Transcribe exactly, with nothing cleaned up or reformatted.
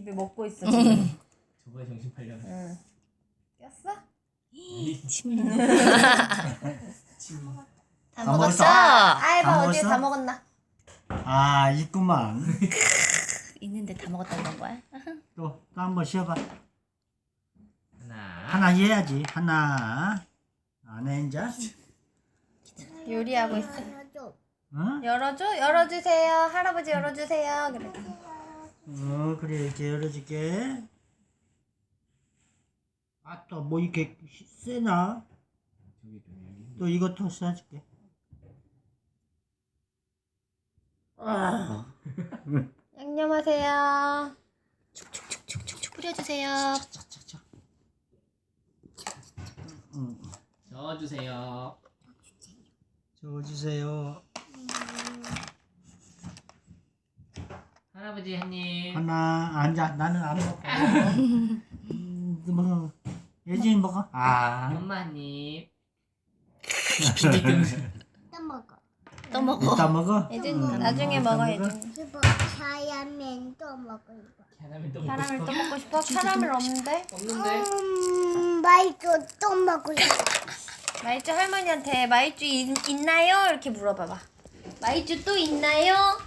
입에 먹고 있어 지금. 저번에 정신 팔려. 응. 꼈어? 침. 침. 다 다 먹었어? 아이봐 다 어디에 먹었어? 다 먹었나? 아 있구만. 있는데 다 먹었다는 건 거야? 또 또 한번 쉬어봐. 하나. 하나 해야지. 하나. 안 해 이제. 요리하고 있어. 어? 열어줘? 열어주세요. 할아버지 열어주세요. 그래. 어 그래 이렇게 열어줄게. 아 또 뭐 이렇게 세나? 저기 좀 또 이것도 써줄게. 아. 양념하세요. 축축축축축 뿌려주세요. 차차차. 응. 저어주세요. 적어주세요. 할아버지 한 입. 하나 앉아. 나는 안 먹어. 음, 너 먹어. 예진이 먹어. 아. 엄마 한 입. 또 먹어. 또 먹어. 이따 먹어. 예준 응, 나중에 이따 먹어 예준. 이거 자야면 또 먹어 이거. 캐러멜 또 먹고 캐러멜 싶어? 또 먹고 싶어? 캐러멜 없는데? 없는데? 음, 맛있어. 또 먹고 싶어. 마이쮸 할머니한테 마이쮸 있, 있나요? 이렇게 물어봐봐. 마이쮸 또 있나요?